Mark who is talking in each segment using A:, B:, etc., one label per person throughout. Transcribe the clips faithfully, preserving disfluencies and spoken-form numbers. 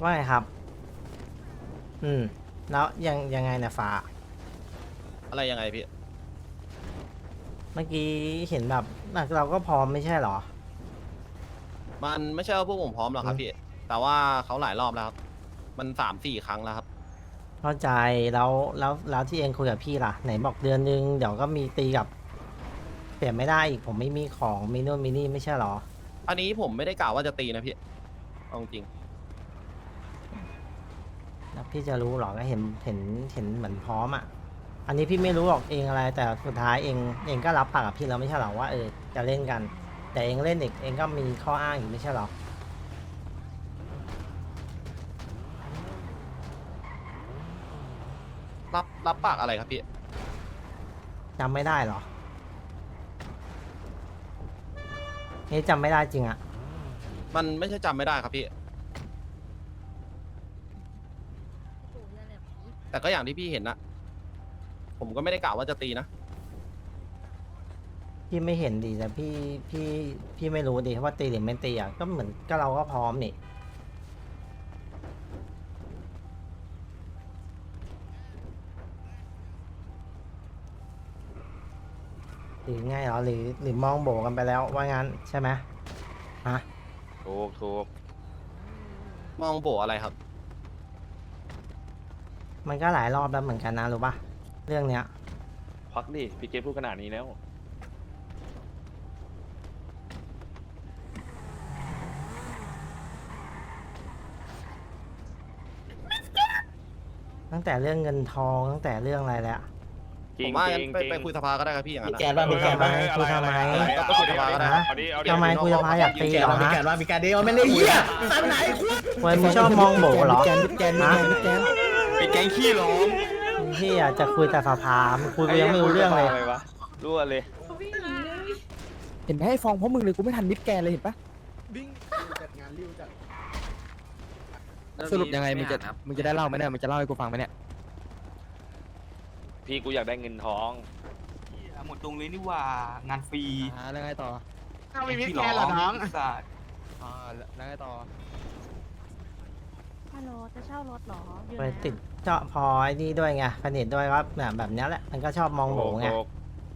A: ว่าไงครับอืมแล้วยังยังไงเนี่ยฟ้า
B: อะไรยังไงพี่
A: เมื่อกี้เห็นแบบเราก็พร้อมไม่ใช่เหรอ
B: มันไม่ใช่ว่าพวกผมพร้อมหรอกครับพี่ แต่ว่าเขาหลายรอบแล้วครับ มันสามสี่ครั้งแล้วครับ
A: เข้าใจแล้วแล้วแล้วที่เองคุยกับพี่ล่ะไหนบอกเดือนนึงเดี๋ยวก็มีตีกับเปลี่ยนไม่ได้อีกผมไม่มีของมีนู่นมีนี่ไม่ใช่เหรอ
B: อันนี้ผมไม่ได้กล่าวว่าจะตีนะพี่เอาจริง
A: แล้วพี่จะรู้เหรอก็เห็นเห็นเห็นเหมือนพร้อมอ่ะอันนี้พี่ไม่รู้หรอกเองอะไรแต่สุดท้ายเองเองก็รับปากกับพี่แล้วไม่ใช่เหรอว่าเออจะเล่นกันแต่เองเล่นอีกเองก็มีข้ออ้างอยู่ไม่ใช่เหรอ
B: รับรับปากอะไรครับพี่
A: จำไม่ได้เหรอนี่จำไม่ได้จริงอะ
B: มันไม่ใช่จำไม่ได้ครับพี่ แต่ก็อย่างที่พี่เห็นนะผมก็ไม่ได้กล่าวว่าจะตีนะ
A: พี่ไม่เห็นดิแต่พี่พี่พี่ไม่รู้ดิว่าตีหรือไม่ตีอะก็เหมือนก็เราก็พร้อมนี่หรือไงเหรอหรือหรือมองโบกันไปแล้วว่างั้นใช่ไหมฮะ
C: ถูกถูก
B: มองโบอะไรครับ
A: มันก็หลายรอบแล้วเหมือนกันนะรู้ปะเรื่องเนี้ย
C: พักดิ พี่เกตพูดขนาดนี้แล้ว
A: ตั้งแต่เรื่องเงินทองตั้งแต่เรื่องอะไรแล้ว
C: จริ
B: ผ
C: ง
B: มว่า
C: จ
B: งั้
C: ริ
B: น
C: ง
B: ไป
C: จริง
B: ไปคุยสภาก็ได้ครับพี่อย่างนั้น
D: แก
B: อะ
D: นว่ามีแกนว่า
A: คุยทำไม
B: ก็คุยสภาก็ได้
C: เอาดิเอาดิ
A: ทำไมคุยสภาอยากตี
D: แก
A: เหรอ
D: ว่ามี
A: ฮะ
D: แกนว่ามีแกนเดียวไม่เล่นเหี้ยตามไหนคุณ
A: เว้ยมึงชอบมองโบเหรอ
D: แกนแกนแกนแกน
C: เป็นแก๊งขี้ร้อง
A: พี่อยากจะคุยแต่สภามึงคุยกูยังไม่รู้เรื่องเลย
C: ะไวะรั่วเลย
E: เห็นไหมให้ฟองเพราะมึงเลยกูไม่ทันมิดแกนเลยเห็นปะ
D: จัดงานริ้วจัด
E: สรุปยังไงมึงจะมึงจะได้เล่าไหมเนี่ยมึงจะเล่าให้กูฟังไหมเนี่ย
C: พี่กูอยากได้เงินทอง
F: หมดตรงเลยนี่ว่างานฟรี
E: อ่าแล้วไงต่อ
F: ถ้าไม่มีแกนหรอน้องสัตว์
E: อ่าแล้วไงต่อ
G: ฮัลโหลจะเช่ารถเหรออยู่
A: ไป
G: ไหนอะ
A: ติดเจาะพอไอ้นี่ด้วยไงสนิทด้วยก็แบบแบบเนี้ยแหละมันก็ชอบมองโบไง
C: ถูก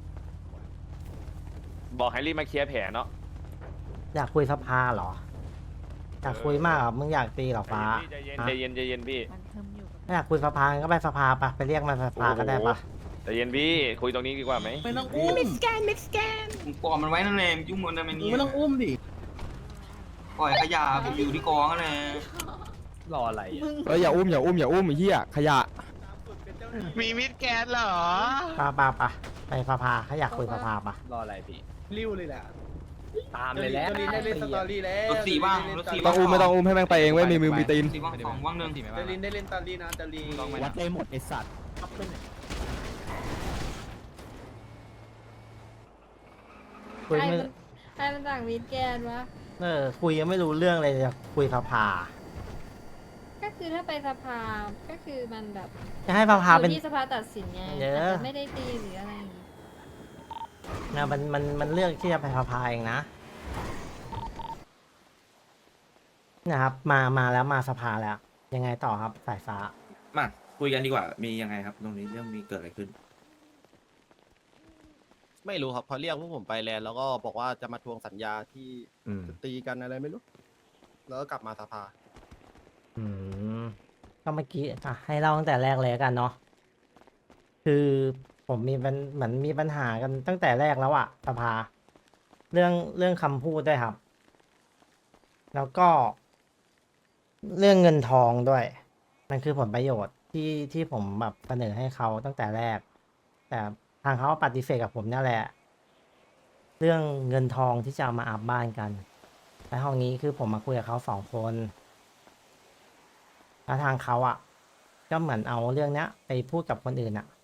C: บอกให้รีบมาเคลียร์แผลเนาะ
A: อยากคุยสภาเหรออยากคุยมากเหรอมึงอยากตีเหรอฟ้า
C: ใจเย็นใจเย็นใจเย็นพี่
G: มันเทิมอยู่กับ
A: ถ้าอยากคุยสภาก็ไปสภาปะไปเรียกมาสภาก็ได้ปะ
C: ใจเย็นพี่ คุยตรงนี้ดีกว่าไหม
D: ไม่ต้องอุ้ม
F: มึงปล่อยมันไว้นั่นแหละยุ่งมันทำไมเนี่ย
D: ไม่ต้องอุ้มดิ
F: ปล่อยขยะไปอยู่ที่กองนั่นแหละ
B: รออะไร
E: เอออย่าอุ้มอย่าอุ้มอย่าอุ้มไอ้เหี้ยขยะ
H: มีมิดแกนเหรอ
A: ปะปะปะไปสภาถ้าอยากคุยสภาปะ
B: รออะไรพี่
D: ริ้วเลยแหละ
B: ตามเลยแล้ว
D: จลินได้เล่นสตอรี่แล้ว
F: รถสี่บ้างรถสี่
E: ต้องอุ้มไม่ต้องอุ้มให้แม่งไปเองเว้ยมีมือมีตีน
F: สี่บ้างสองบ้างหนึ่ง
D: จลินได้เล่นสตอรี่นะจลิน
E: วัดได้หมดไอสัตว์
A: คุย
G: ใคร
A: ไม่
G: มันใครมันสั่งมิดแกนวะ
A: เออคุยยังไม่รู้เรื่องเลยจะคุยสภา
G: ก็คือถ้าไปสภา ก็คือมันแบบ
A: จะให้สภา
G: อยู่
A: เป็น
G: ที่สภาตัดสินไง
A: เยอะ
G: อาจจะไม่ได้ตีหรืออะไรอย่างงี้
A: นะมันมันมันเลือกที่จะไปสภาเองนะนะครับมามาแล้วมาสภาแล้ว ยังไงต่อครับสายฟ้า
I: มาคุยกันดีกว่า มียังไงครับ ตรงนี้เรื่องมีเกิดอะไรขึ้น
B: ไม่รู้ครับพอเรียกพวกผมไปแลนด์แล้วก็บอกว่าจะมาทวงสัญญาที่
I: อืม
B: จะตีกันอะไรไม่รู้ แล้วก็กลับมาสภา
A: อืมก็เมื่อกี้อ่ะให้เล่าตั้งแต่แรกเลยแล้วกันเนาะคือผมมีปัญเหมือนมีปัญหากันตั้งแต่แรกแล้วอะสภา เรื่องเรื่องคำพูดด้วยครับ แล้วก็ เรื่องเงินทองด้วย มันคือผลประโยชน์ที่ที่ผมแบบเสนอให้เขาตั้งแต่แรก แต่ทางเขาปฏิเสธกับผมนั่นแหละ เรื่องเงินทองที่จะเอามาอัพบ้านกันและห้องนี้คือผมมาคุยกับเขาสองคนแล้วทางเขาอ่ะ ก็เหมือนเอาเรื่องเนี้ย ไปพูดกับคนอื่นอ่ะ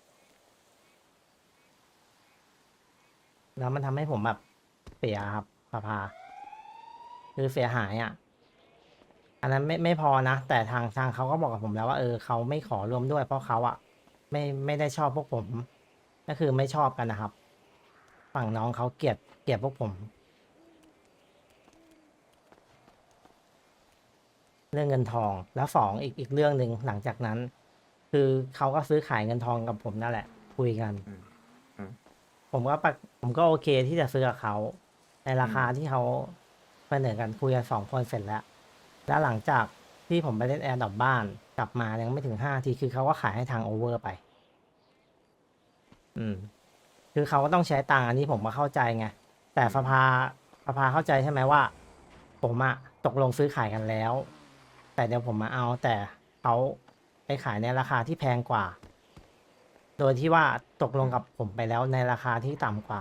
A: แล้วมันทำให้ผมแบบเสียครับสภา คือเสียหายอ่ะ อันนั้นไม่ไม่พอนะ แต่ทางทางเขาก็บอกกับผมแล้วว่าเออเขาไม่ขอรวมด้วย เพราะเขาอ่ะ ไม่ไม่ได้ชอบพวกผม ก็คือไม่ชอบกันนะครับ ฝั่งน้องเขาเกลียดเกลียดพวกผมเรื่องเงินทอง แล้วสองอีกอีกเรื่องหนึ่งหลังจากนั้น คือเขาก็ซื้อขายเงินทองกับผมนั่นแหละ คุยกัน
I: อืมอืม
A: ผมก็ปะผมก็โอเคที่จะซื้อกับเขาในราคาที่เขาเสนอกันคุยกันสองคนเสร็จแล้ว แล้วหลังจากที่ผมไปเล่นแอร์ดรอปบ้านกลับมายังไม่ถึงห้าทีคือเขาก็ขายให้ทางโอเวอร์ไป อืม คือเขาก็ต้องใช้ตังค์อันนี้ผมมาเข้าใจไง แต่สภาสภาเข้าใจใช่ไหมว่า ผมอะตกลงซื้อขายกันแล้ว แต่เดี๋ยวผมมาเอา แต่เขาไปขายในราคาที่แพงกว่า โดยที่ว่าตกลงกับผมไปแล้วในราคาที่ต่ำกว่า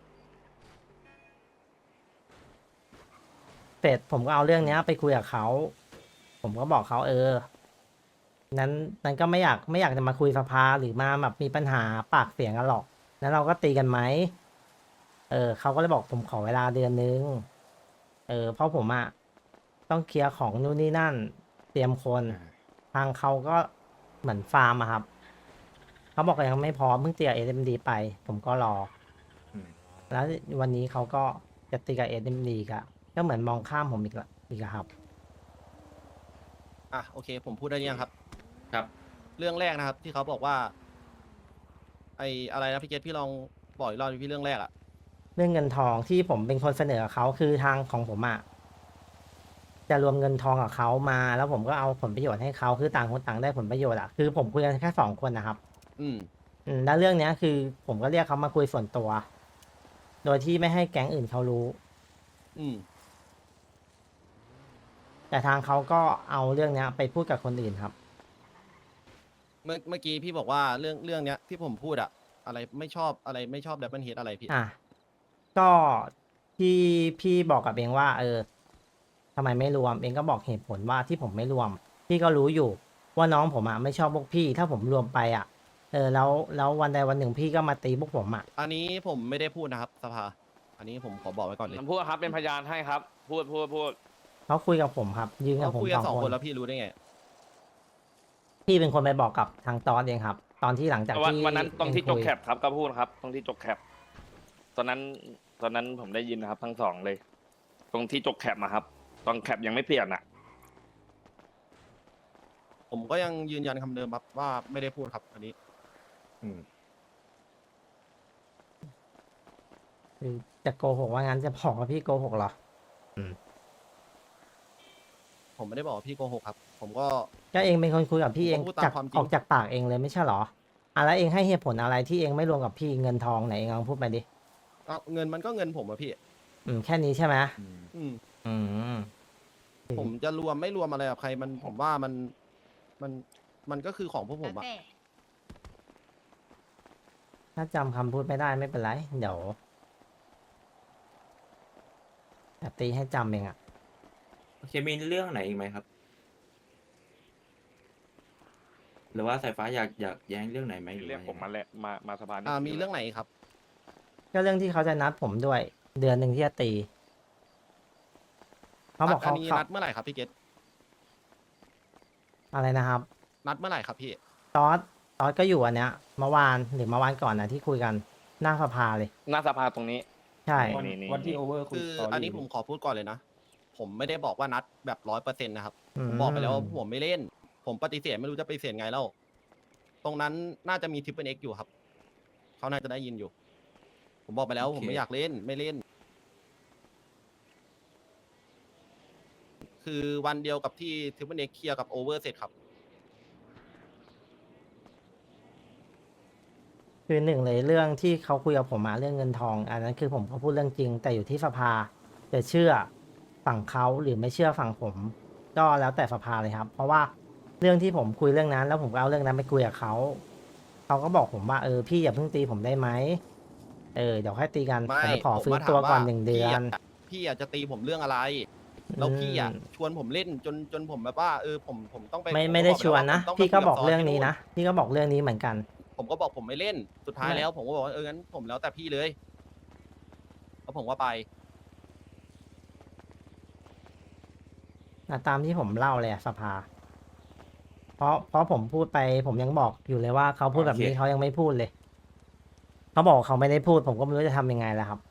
A: เสร็จผมก็เอาเรื่องเนี้ยไปคุยกับเขา ผมก็บอกเขาเออ นั้นนั้นก็ไม่อยากไม่อยากจะมาคุยสภาหรือมาแบบมีปัญหาปากเสียงกันหรอก นั้นเราก็ตีกันไหม เออเขาก็เลยบอกผมขอเวลาเดือนนึง เออ เพราะผมอะต้องเคลียร์ของนู่นนี่นั่น เตรียมคน ทางเขาก็เหมือนฟาร์มอะครับ เขาบอกยังไม่พร้อมเพิ่งตีกับเอ็มดีไป ผมก็รอ
I: อืม
A: แล้ววันนี้เขาก็จะตีกับเอ็มดีก็ก็เหมือนมองข้ามผมอีกละอีกอะครับ
B: อ่ะโอเค ผมพูดได้หรือยังครับ
I: ครับ
B: เรื่องแรกนะครับ ที่เขาบอกว่า ไออะไรนะพี่เกตพี่ลองบอกอีกรอบดิพี่เรื่องแรกอะ
A: เรื่องเงินทองที่ผมเป็นคนเสนอกับเขาคือทางของผมอะจะรวมเงินทองกับเขามา แล้วผมก็เอาผลประโยชน์ให้เขาคือต่างคนต่างได้ผลประโยชน์อะคือผมคุยกันแค่สองคนนะครับ
B: อืม
A: อืมแล้วเรื่องเนี้ยคือ ผมก็เรียกเขามาคุยส่วนตัว โดยที่ไม่ให้แก๊งอื่นเขารู้
B: อืม
A: แต่ทางเขาก็เอาเรื่องเนี้ยไปพูดกับคนอื่นครับ
B: เมื่อเมื่อกี้พี่บอกว่าเรื่องเรื่องเนี้ยที่ผมพูดอะอะไรไม่ชอบอะไรไม่ชอบดับเบิลเฮดอะไรพี่
A: อ่ะก็ที่พี่บอกกับเองว่า เออทำไมไม่รวมเองก็บอกเหตุผลว่าที่ผมไม่รวม พี่ก็รู้อยู่ ว่าน้องผมอ่ะไม่ชอบพวกพี่ ถ้าผมรวมไปอ่ะ เออแล้วแล้ววันใดวันหนึ่งพี่ก็มาตีพวกผมอ่ะ
B: อันนี้ผมไม่ได้พูดนะครับสภา อันนี้ผมขอบอกไว้ก่อนเลย
C: ผมพูดครับเป็นพยานให้ครับ พูดพูดพูด
A: เขาคุยกับผมครับ ยืนกับ
B: เขา
A: ผม
B: คุยกั
A: ส
B: น
A: อง
B: สอง
A: ค
B: คน นแล้วพี่รู้ได้ไง
A: พี่เป็นคนไปบอกกับทางตอนเองครับ ตอนที่หลังจาก
C: วัน
A: ที่
C: วันนั้นตรงที่
A: เอ
C: จ
A: คุ
C: ก
A: ย
C: แคปครับก็พูดครับ ตรงที่จกแคปตอนนั้นตอนนั้นผมได้ยินนะครับ ทั้งสองเลย ตรงที่จกแคปมาครับ ตอนแคปยังไม่เปลี่ยนอ่ะ
B: ผมก็ยังยืนยันคำเดิมครับว่าไม่ได้พูดครับ อันนี้
I: อืม
A: คือจะโกหกว่างั้นจะบอกว่าพี่โกหกเหรอ
B: ผมไม่ได้บอกว่าพี่โกหกครับ ผมก็
A: ก็เองเป็นคนคุยกับพี่เอง
B: ผมก็พูดตาม
A: จาก
B: ความจริง
A: ออกจากปากเองเลยไม่ใช่เหรออ่ะแล้วเองให้เหตุผลอะไรที่เองไม่รวมกับพี่เงินทองไหนเองลองพูดไปดิ
B: เอาเงินมันก็เงินผมอะพี่
A: อืมแค่นี้ใช่ไหม
I: อืม
B: อืม
A: อืม
B: ผมจะรวมไม่รวมอะไรกับใครมันผมว่ามันมันมันก็คือของพวกผมอะ
A: ถ้าจำคำพูดไม่ได้ไม่เป็นไร เดี๋ยวแต่ตีให้จำเองอะ
I: โอเคมีเรื่องไหนอีกไหมครับ หรือว่าสายฟ้าอยากอยากแย้งเรื่องไหนไหมหรือ
C: เรียก
I: ว่า
C: ผมมาแล้วมามาสภานี่
B: อ่ามีเรื่องไหนครับ
A: ก็เรื่องที่เขาจะนัดผมด้วย เดือนหนึ่งที่จะตีเขาบอก
B: อั
A: เขา
B: นี้
A: เขา
B: นัดเมื่อไหร่ครับพี่เกต
A: อะไรนะครับ
B: นัดเมื่อไหร่ครับพี่
A: ตอสตอสก็อยู่อันเนี้ยเมื่อวานหรือเมื่อวานก่อนนะที่คุยกันหน้าสภาเลย
C: หน้าสภาตรงนี้
A: ใช่
C: นี่นี่
D: วันที่โอเวอร์คุย
B: คือ
D: สตรี่
B: อันนี้ผมขอพูดก่อนเลยนะ ผมไม่ได้บอกว่านัดแบบร้อยเปอร์เซ็นต์นะครับ
A: อื
B: ผมบอกไปแล้วว่าผมไม่เล่น ผมปฏิเสธไม่รู้จะปฏิเสธไงแล้ว ตรงนั้นน่าจะมีทิปเปิลเอ็กอยู่ครับ เขาน่าจะได้ยินอยู่ ผมบอกไปแล้ว
I: โอเค
B: ผมไม่อยากเล่น ไม่เล่น คือวันเดียวกับที่ทิปเปิลเอ็กเคลียร์กับโอเวอร์เสร็จครับ
A: คือหนึ่งเลยเรื่องที่เขาคุยกับผมมาเรื่องเงินทอง อันนั้นคือผมก็พูดเรื่องจริง แต่อยู่ที่สภาจะเชื่อฝั่งเขาหรือไม่เชื่อฝั่งผม ก็แล้วแต่สภาเลยครับ เพราะว่าเรื่องที่ผมคุยเรื่องนั้น แล้วผมก็เอาเรื่องนั้นไปคุยกับเขาเขาก็บอกผมว่าเออพี่อย่าเพิ่งตีผมได้ไหมเออเดี๋ยวค่อยตีกัน
B: ไม่
A: แต่ขอ
B: ผม
A: ฟื้น
B: มาถาม
A: ตัวก่อน
B: ว่า
A: หนึ่งเดือน
B: พี่ะพี่อยากจะตีผมเรื่องอะไร แล้วพี่อ่ะ
A: อืม
B: ชวนผมเล่นจนจนผมแบบว่าเออผมผมต้องไป
A: ไม่
B: ผ
A: ไม่ได้
B: บอ
A: ชวนนะ
B: ผมต้องไป
A: พี่ก็
B: คุย
A: บอก
B: ซ
A: เรื่อง
B: ที่
A: นี้นะพี่ก็บอกเรื่องนี้เหมือนกัน
B: ผมก็บอกผมไม่เล่น สุดท้าย
A: ไม่
B: แล้ว ผมก็บอกว่าเอองั้นผมแล้วแต่พี่เลยแล้วผมก็ไป
A: อ่ะตามที่ผมเล่าเลยอะสภา เพราะเพราะผมพูดไป ผมยังบอกอยู่เลยว่าเขาพูดแบบนี้
I: โอเค
A: เขายังไม่พูดเลย เขาบอกเขาไม่ได้พูด ผมก็ไม่รู้จะทำยังไงแล้วครับ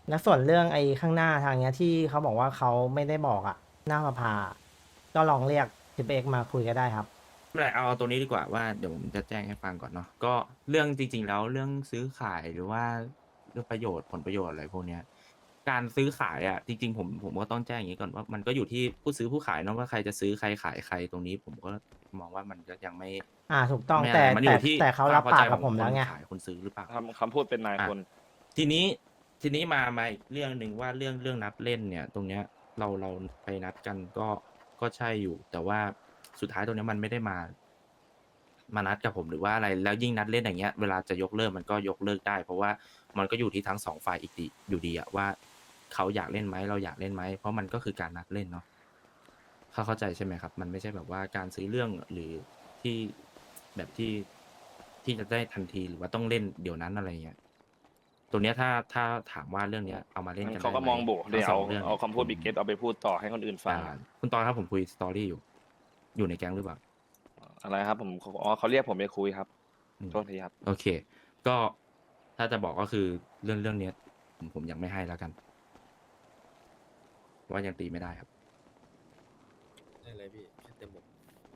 A: แล้วส่วนเรื่องไอ้ข้างหน้าทางเนี้ยที่เขาบอกว่าเขาไม่ได้บอกอะหน้าสภาก็ลองเรียกทีเอ็กมาคุยก็ได้ครับ
I: ไม่เป็นไรเอาตัวนี้ดีกว่าว่าเดี๋ยวผมจะแจ้งให้ฟังก่อนเนาะก็เรื่องจริง ๆ แล้วเรื่องซื้อขายหรือว่าเรื่องประโยชน์ผลประโยชน์อะไรพวกเนี้ยการซื้อขายอ่ะจริงๆผมผมก็ต้องแจ้งอย่างนี้ก่อนว่ามันก็อยู่ที่ผู้ซื้อผู้ขายเนาะว่าใครจะซื้อใครขายใครตรงนี้ผมก็มองว่ามันก็ยังไม่
A: อ่าถูกต้อง
I: ไม่ะ
A: แต่
I: ไรมันอ
A: แต่
I: ยู่ที่
A: แต่เขารับ
I: คว
A: ปาก
I: ใจ
A: กับ
I: ข
A: ผ
I: อง
A: มแล้วไง
I: คนขายคนซื้อหรือเปล่า
C: คำคำพูดเป็นนายคน
I: ทีนี้ทีนี้มามาอีกเรื่องหนึ่งว่าเรื่องเรื่องนัดเล่นเนี่ย ตรงเนี้ยเราเราไปนัดกันก็ก็ใช่อยู่ แต่ว่าสุดท้ายตรงเนี้ยมันไม่ได้มา มานัดกับผมหรือว่าอะไรแล้วยิ่งนัดเล่นอย่างเงี้ยเวลาจะยกเลิกมันก็ยกเลิกได้ เพราะว่ามันก็อยู่ที่ทั้งสองฝ่ายอีกดีอยู่ดีอะว่าเขาอยากเล่นไหมเราอยากเล่นไหมเพราะมันก็คือการนัดเล่นเนาะเขาเข้าใจใช่ไหมครับ มันไม่ใช่แบบว่าการซื้อเรื่องหรือที่แบบที่ที่จะได้ทันทีหรือว่าต้องเล่นเดี๋ยวนั้นอะไรเงี้ยตัวเนี้ยถ้าถ้าถามว่าเรื่องเนี้ยเอามาเล่นกัน
C: เขาก็
I: ได้ไห
C: มองบวกเดี๋ยว
I: ทั้
C: เอา
I: งสงรื่อง
C: เอาคำพูดบิ๊กเก็ตเอาไปพูดต่อให้คนอื่นฟัง
I: อ่าคุณตอนครับผมคุยสตอรี่อยู่ อยู่ในแก๊งหรือเปล่า
C: อะไรครับผมอ๋อเขาเรียกผมไปคุยครับ
I: อืม
C: โทษทีครับ
I: โอเค ก็ถ้าจะบอกก็คือเรื่องเรื่องเนี้ยผมผมยังไม่ให้แล้วกันเพราะว่ายังตีไม่ได้ครับ
D: ได้เลยพี่แค่เต็มหมด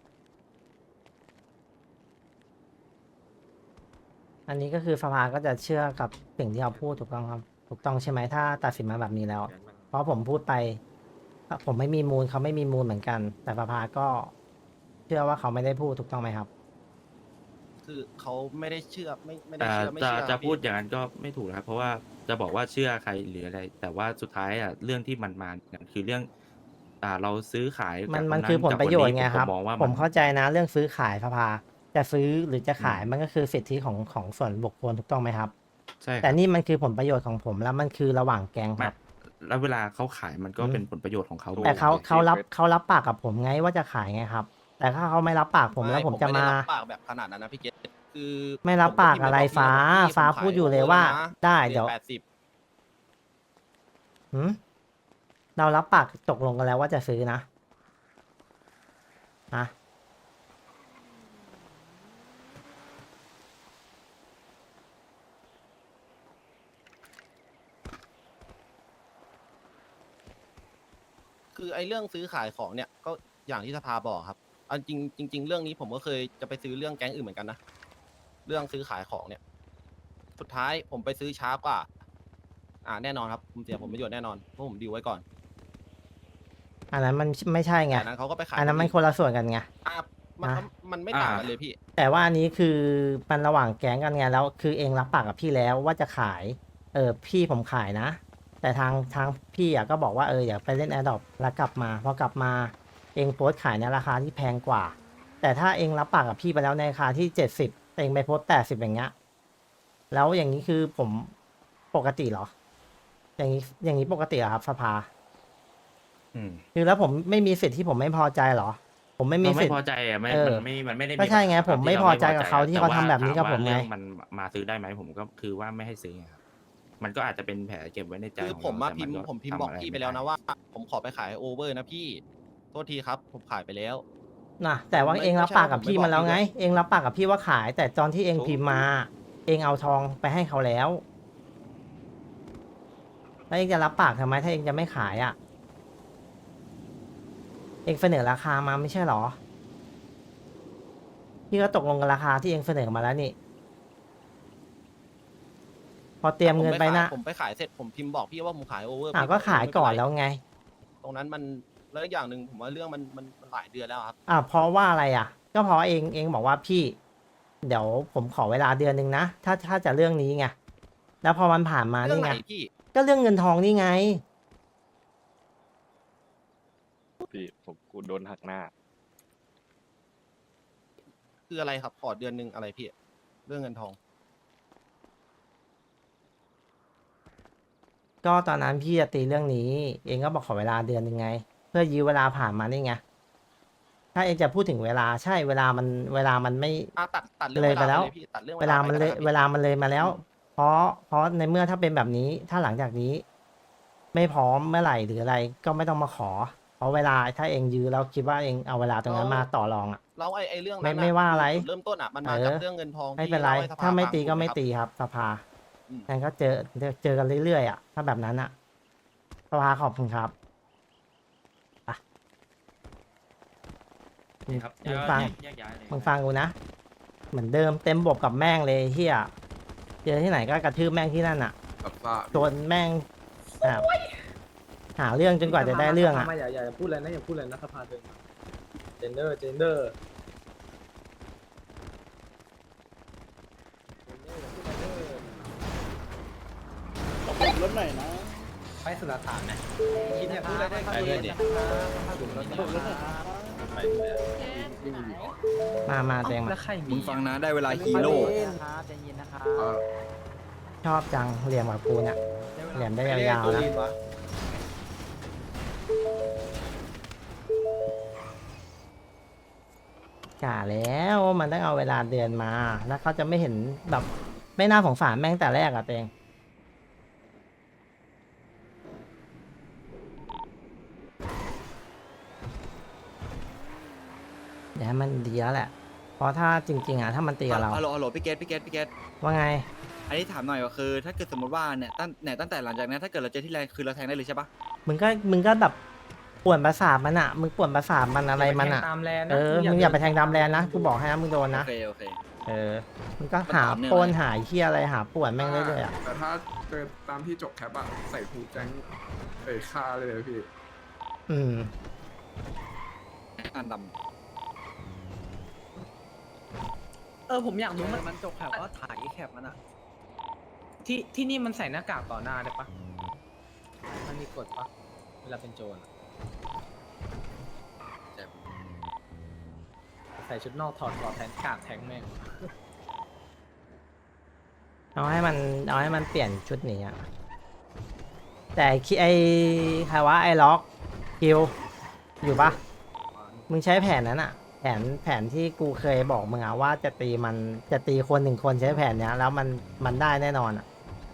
A: อันนี้ก็คือสภาก็จะเชื่อกับสิ่งที่เราพูดถูกต้องครับ ถูกต้องใช่ไหมถ้าตัดสินมาแบบนี้แล้ว เพราะผมพูดไป ผมไม่มีมูลเขาไม่มีมูลเหมือนกัน แต่สภาก็เชื่อว่าเขาไม่ได้พูดถูกต้องไหมครับ
B: คือเขาไม่ได้เชื่อไม่ไม่ได้
I: แต่
B: เชื่อไม่
I: จะ
B: เชื่อ
I: จะ
B: ครับ
I: พูด
B: พี่
I: อย่างนั้นก็ไม่ถูกนะครับ เพราะว่าจะบอกว่าเชื่อใครหรืออะไร แต่ว่าสุดท้ายอ่ะเรื่องที่มันมาเนี่ยคือเรื่อง อ่าเราซื้อขาย
A: มัน
I: กับ
A: มัน
I: ค
A: คือผล
I: กับ
A: ประโยชน์
I: ค
A: ไง
I: ผม
A: ครับ
I: มองว่า
A: ผม
I: น
A: เข้าใจนะเรื่องซื้อขายสภา จะซื้อหรือจะขาย
I: อืม
A: มันก็คือสิทธิของของส่วนบุคคลถูกต้องไหมครับ
I: ใช่ครับ
A: แต่นี่มันคือผลประโยชน์ของผมแล้วมันคือระหว่างแก๊งค
I: ไม่
A: รับ
I: แล้วเวลาเขาขายมันก็
A: อืม
I: เป็นผลประโยชน์ของเขา
A: แต่เขา
I: หมดลย
A: เขารับ
C: เฟซ
A: เขารับปากกับผมไงว่าจะขายไงครับ แต่ถ้าเขาไม่รับปากผมแล้วผมจะ
B: ไได้
A: มา
B: รับปากแบบขนาดนั้นนะพี่เกตคือ
A: ไม่รับปากอะไร
B: ผม
A: ฟ้า
B: พิมพ์ปบอกพี่
A: ฟ้า
B: ผมข
A: พูดอยู่เลยว่า
B: นะ
A: ได้
B: เหรี
A: เดี๋
B: ย
A: ยว
B: ญแปดสิบ
A: หืมเรารับปากตกลงกันแล้วว่าจะซื้อนะอะ
B: คือไอ้เรื่องซื้อขายของเนี่ยก็อย่างที่สภาบอกครับเอาจริงจริง ๆ เรื่องนี้ผมก็เคยจะไปซื้อเรื่องแก๊งอื่นเหมือนกันนะเรื่องซื้อขายของเนี่ย สุดท้ายผมไปซื้อช้ากว่า อ่าแน่นอนครับผมเสียผลประโยชน์แน่นอนเพราะผมดีลไว้ก่อน
A: อันนั้นมันไม่ใช่ไง
B: แต่นั้นเขาก็ไปขาย
A: อันนั้นมันคนละส่วนกันไง
B: อ่ะมัน
A: อ่ะ
B: มันไม่ต่างกันเลยพี่
A: แต่ว่าอันนี้คือมันระหว่างแก๊งกันไงแล้ว คือเองรับปากกับพี่แล้วว่าจะขาย เออพี่ผมขายนะ แต่ทางทางพี่อ่ะก็บอกว่าเอออย่าไปเล่นแอร์ดรอปแล้วกลับมาพอกลับมาเองโพสต์ขายในราคาที่แพงกว่า แต่ถ้าเองรับปากกับพี่ไปแล้วในราคาที่เจ็ดสิบเองไปโพสแปดสิบอย่างเงี้ยแล้วอย่างนี้คือผมปกติเหรอ อย่างนี้อย่างนี้ปกติเหรอครับสภา
I: อืม
A: คือแล้วผมไม่มีสิทธิ์ที่ผมไม่พอใจเหรอ ผมไม่มี
I: เรา
A: สิ
I: ไม่
A: ทธิ์
I: พอใจอ่ะไม่
A: เออ
I: มันไม่มันไม่ได้
A: ก็ใช่ไง
I: ปัญหา
A: ผมไม่
I: ที่
A: พอใจกับเขาที่
I: แต่
A: เขาทำแบบนี้กับ
I: ถ
A: ผมไง
I: ว่าเรื่องมันมาซื้อได้ไหมผมก็คือว่าไม่ให้ซื้อไงครับมันก็อาจจะเป็นแผลเก็บไว้ในใจ
B: คือ
I: ของ
B: ผมมา
I: เรา
B: พิมพ์
I: แต่น
B: ผมพิมพ์
I: ทำ
B: บอก
I: อะไร
B: พี่ไป
I: ม่
B: แล้วนะ
I: ด้
B: ว่า ผมขอไปขายโอเวอร์นะพี่โทษทีครับ ผมขายไปแล้ว
A: นะแต่ว่า
B: ไม่
A: เองรับ
B: ไม่ใช่
A: ปากกับ
B: ผม
A: พี่
B: ไม่
A: มาแล้ว
B: บอกพี่
A: ไง
B: ด้วย
A: เองรับปากกับพี่ว่าขาย แต่ตอนที่เอง
B: ถูก
A: พิมพ์มา เองเอาทองไปให้เขาแล้วแล้วเองจะรับปากทำไมถ้าเองจะไม่ขายอ่ะ เองเสนอราคามาไม่ใช่เหรอพี่ก็ตกลงกับราคาที่เองเสนอมาแล้วนี่ พอเตรียมเงินไปนะ
B: ผมไปขายเสร็จผมพิมพ์บอกพี่ว่าผมขายโอเวอร์
A: อ่ะก็ขายก่อนแล้วไง
B: ตรงนั้นมันแล้วอีกอย่างหนึ่งผมว่าเรื่องมันมันมันหลายเดือนแล้วครับ
A: อ่ะเพราะว่าอะไรอ่ะ ก็เพราะเองเองบอกว่าพี่ เดี๋ยวผมขอเวลาเดือนหนึ่งนะถ้าถ้าจะเรื่องนี้ไงแล้วพอมันผ่านมา
B: เรื่อง
A: นี่
B: ไหน
A: ไง
B: พี่
A: ก็เรื่องเงินทองนี่ไง
C: พี่ผมกูโดนหักหน้า
B: คืออะไรครับขอเดือนหนึ่งอะไรพี่เรื่องเงินทอง
A: ก็ตอนนั้นพี่จะตีเรื่องนี้ เองก็บอกขอเวลาเดือนหนึ่งไง เพื่อยื้อเวลาผ่านมานี่ไงถ้าเองจะพูดถึงเวลาใช่เวลามันเวลามันไม่
B: อ่ะตัดตัดเรื่อง
A: เลยไปแล้ว
B: พี่ตัดเรื่อง
A: เวลามันเลย
B: ไป
A: เวลามันเลยมาแล้ว เพราะเพราะในเมื่อถ้าเป็นแบบนี้ ถ้าหลังจากนี้ ไม่พร้อมเมื่อไหร่หรืออะไร ก็ไม่ต้องมาขอ เพราะเวลาถ้าเองยื้อแล้วคิดว่าเองเอาเวลาตรงนั้นมาต่อรองอ่ะ
B: แล้วไอ้ไอ้เรื่องนั้น
A: ไม่
B: น่ะ
A: ไม่ว่าอะไร
B: จุดเริ่มต้นอ่ะมันมา
A: เออ
B: จากเรื่องเงินทอง
A: ไม่
B: ที่
A: เป็นไร
B: ล่ให้สภ
A: ถ้าไม่
B: ฟัง
A: ตีก็
B: ถูห
A: ไม่
B: ครับ
A: ตีครับสภา
B: อืม
A: งั้นก็เจอเจอเจอกันเรื่อยๆอ่ะถ้าแบบนั้นอ่ะสภาขอบคุณครับอ่ะ
I: ครับ
A: มึงฟัง
I: แยกย้ายเลย
A: มึงฟังกูนะ เหมือนเดิมเต็มบบกับแม่งเลยเฮียเจอที่ไหนก็กระทืบแม่งที่นั่นอ่ะจนแม่งแบบหาเรื่องจนกว่าจะได้เรื่องอ่ะ
D: อย่าอย่าพูดอะไรนะอย่าพูดอะไรนะสภาเดินเจนเดอร์เจนเดอร์
F: รถหน่อยนะ
D: ไปสุรฐานไหม
B: คิดจะพูดอะไรได้
D: ไปด้วยดิ
G: แก้ไหน
A: มามาเต็งมา
D: แล้วใคร
F: มึ
D: มี
F: งฟังนะได้เวลาฮีโร่
A: ชอบจังเหลี่ยมกับกูเนี่ยเหลี่ยมได้ยาวๆนะกะแล้วว่ามันต้องเอาเวลาเดือนมา แล้วเขาจะไม่เห็นแบบไม่น่าสงสารแม่งแต่แรกอะเตงเดี๋ยวให้มันดีแล้วแหละ เพราะถ้าจริง ๆอะถ้ามันตีกับเรา
F: ฮัลโหลฮัลโหลพี่เกตพี่เกตพี่เกต
A: ว่าไง
F: อันนี้ถามหน่อยว่าคือ ถ้าเกิดสมมติว่าเนี่ยตั้งเนี่ยตั้งแต่หลังจากนั้นถ้าเกิดเราเจอที่แรงคือเราแทงได้เลยใช่ปะ
A: มึงก็มึงก็แบบป่วนประสาทมันอะมึงป่วนประสาทมันอะไรมันอะ
D: ตามแลน
A: เออ มึงอย่าไปแทงดำแลนนะ กูบอกให้นะมึงโดน
F: โอ
A: นะ
F: เคโอเค
A: เออ มึงก็หา
F: มันต่อเนื่อง
A: โปนหาเฮียอะไรหาป่วนแม่งเรื่อยๆอะ
J: แต่ถ้าเจอตามที่จบแคปอะใส่ผูแจ้งเอ่ยค่าเลยเลยพี่
A: อืม
F: อันด
D: เออผมอยากรู้มันมันจบแคปว่าถ่ายแคปมันอะที่ที่นี่มันใส่หน้ากากต่อหน้าได้ปะมันมีกฎปะเวลาเป็นโจรอะ
F: ำแต่
D: ใส่ชุดนอกถอดถอดแทนกากแทงแม่ง
A: เอาให้มันเอาให้มันเปลี่ยนชุดหนี้อะแต่ไอ้คิไอ้ใครวะไอ้ล็อกคิวอยู่ปะมึงใช้แผนนั้นอะแผนแผนที่กูเคยบอกมึงอะว่าจะตีมันจะตีคนหนึ่งคนใช้แผนเนี้ย แล้วมันมันได้แน่นอนอะ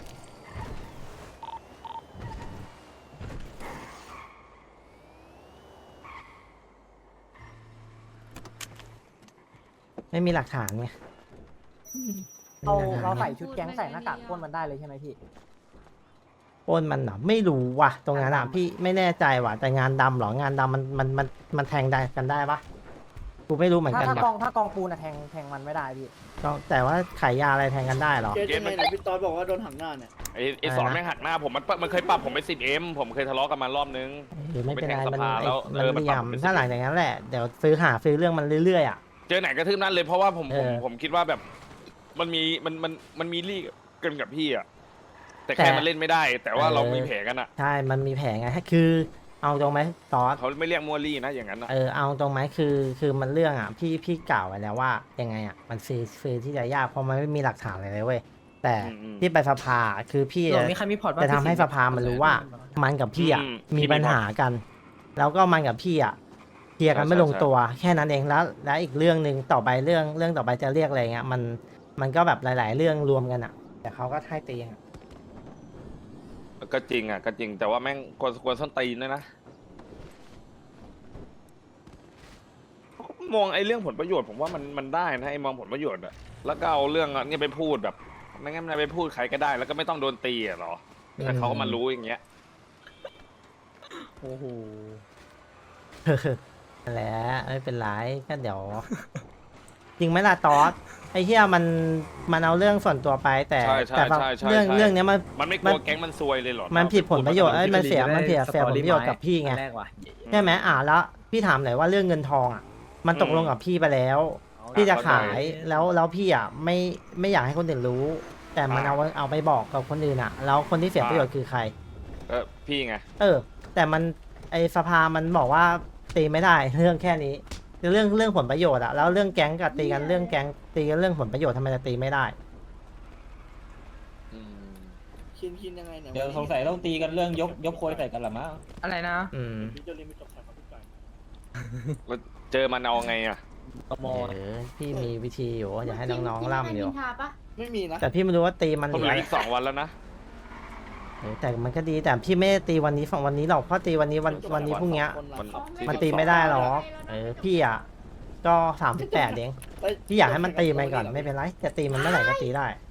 A: ไม่มีหลักฐานไง
E: เราเราใส่ชุดแก๊งใส่หน้ากากพ่นมันได้เลยใช่ไหมพี่
A: ปล้นมันเหรอไม่รู้ว่ะตรงนั้นอ่ะพี่ไม่แน่ใจว่ะแต่งานดำเหรองานดำมันมันมันมันแทงได้กันได้ปะกูไม่รู้เหมือน
E: ถ้า
A: กัน
E: ถ้า
A: ว่ะ
E: กองถ้ากองปูนอะแทงแทงมันไม่ได้พี่
A: ต้องแต่ว่าขายยาอะไรแทงกันได้เหรอ
F: เกตยังไงเนี่ยพี่ตอนบอกว่าโดนหักหน้าเนี่ย
C: ไอ้ไอ้สอนแม่งหักหน้าผมมันมันเคยปรับผมไปสิบเอ็มผมเคยทะเลาะกันมารอบนึง
A: หรือไม่เป็นไร
C: ไปแทง
A: มัน
C: สภา
A: ไอ้
C: แล้ว
A: มัน
C: เออมัน
A: เห
C: ป
A: ลี่
C: รั
A: ย
C: บ
A: ม
C: เป็น
A: ถ้าหลังจากนั้นแหละเดี๋ยวซื้อหาซื้อเรื่องมันเรื่อยๆอ่ะ
C: เจอไหนกระทืบนั่นเลยเพราะว่าผมผม
A: เออ
C: ผมคิดว่าแบบมันมีมันมันมันมีลี่กันกับพี่อะแต่
A: แต่
C: แค่มันเล่นไม่ได้ แต่ว่า
A: เออ
C: เรามีแผลกันอะ
A: ใช่มันมีแผลไงคือเอาตรงไหมตอส
C: เขาไม่เรียกมัวลี่นะอย่างนั้นอะ
A: เออเอาตรงไหมคือคือมันเรื่องอ่ะพี่พี่กล่าวไว้แล้วว่ายังไงอ่ะมันซื้อซื้อที่จะยากเพราะมันไม่มีหลักฐานอะไรเลยเว้ยแต่ที่ไปสภาคือพี่
D: โหลดมีใครมีพอร์ตบ้าง
A: จะทำให้สภามันรู้ว่า มันกับพี่อ่ะมีปัญหากัน แล้วก็มันกับพี่อ่ะเคลียร์กันไม่ลงตัวแค่นั้นเองแล้ว แล้วอีกเรื่องหนึ่งต่อไปเรื่องเรื่องต่อไปจะเรียกอะไรเงี้ยมันมันก็แบบหลาย ๆ เรื่องรวมกันอ่ะ แต่เขาก็ให้ตีอ่ะ
C: ก็จริงอะก็จริงแต่ว่าแม่งควรควรส้นตีนด้วยนะมองไอ้เรื่องผลประโยชน์ผมว่ามันมันได้นะไอ้มองผลประโยชน์อะแล้วก็เอาเรื่องนี้ไปพูดแบบไม่งั้นมันไปพูดใครก็ได้ แล้วก็ไม่ต้องโดนตีอะหรอแต่เขาก็มารู้อย่างเงี้ย
D: โอ้โห
A: นั่นแหละไม่เป็นไรก็เดี๋ยว จริงไหมล่ะตอสไอ้เหี้ยมันมันเอาเรื่องส่วนตัวไปแต่
C: ใช่ใช่
A: แต่บาง
C: ใช่ใช่
A: เรื่อง
C: ใช่
A: เรื่องเนี้ยมัน
C: มันไม่กลัวแก๊งมันซวยเลยเหรอ
A: มันผิดผลประโยชน์เอ้ยมันเสียมันเสียเสียผลประโยชน์กับพี่ไง
D: แรกว่ะ
A: ใช่ไหมอ่าแล้วพี่ถามหน่อยว่าเรื่องเงินทองอ่ะ มันตกลงกับพี่ไปแล้ว พี่จะขายแล้วแล้วพี่อ่ะไม่ไม่อยากให้คนอื่นรู้ แต่มันเอาเอาไปบอกกับคนอื่นอ่ะ แล้วคนที่เสียประโยชน์คือใคร
C: เออพี่ไง
A: เออ แต่มันไอสภามันบอกว่าตีไม่ได้เรื่องแค่นี้เรื่องเรื่องผลประโยชน์อะแล้วเรื่องแก๊งกับตีกันเรื่องแก๊งตีกันเรื่องผลประโยชน์ทำไมจะตีไม่ได้
F: คินคินยังไงเนี่ย
K: เดี๋ยวสงสัยต้องตีกันเรื่องยกยกโคยใส่กันละมั้ง
D: อะไรนะ
A: อืม
F: พี่เจอริมไปจบแคปครับพี่จอย
C: แล้วเจอมันเอาไงอะ
D: กม
A: เออพี่มีวิธีอยู่อยากให้น้องๆล่ำอยู่
G: ทาปะ
F: ไม่มีนะ
A: แต่พี่ไม่รู้ว่าตีมัน
C: ผม
A: ห
C: เห
A: รือ
C: ลือ
A: อะไร
C: อีกสองวันแล้วนะ
A: เออแต่มันก็ดีแต่พี่ไม่ได้ตีวันนี้ฝั่งวันนี้หรอกเพราะตีวันนี้วันวันนี้พรุ่งเนี้ย
C: มัน
A: มันตีไม่ได้หรอกเออพี่อ่ะก็สามสิบแปดเองพี่อยากให้มันตีมันก่อนไม่เป็นไรจะตีมันเมื่อไหร่ก็ตีได้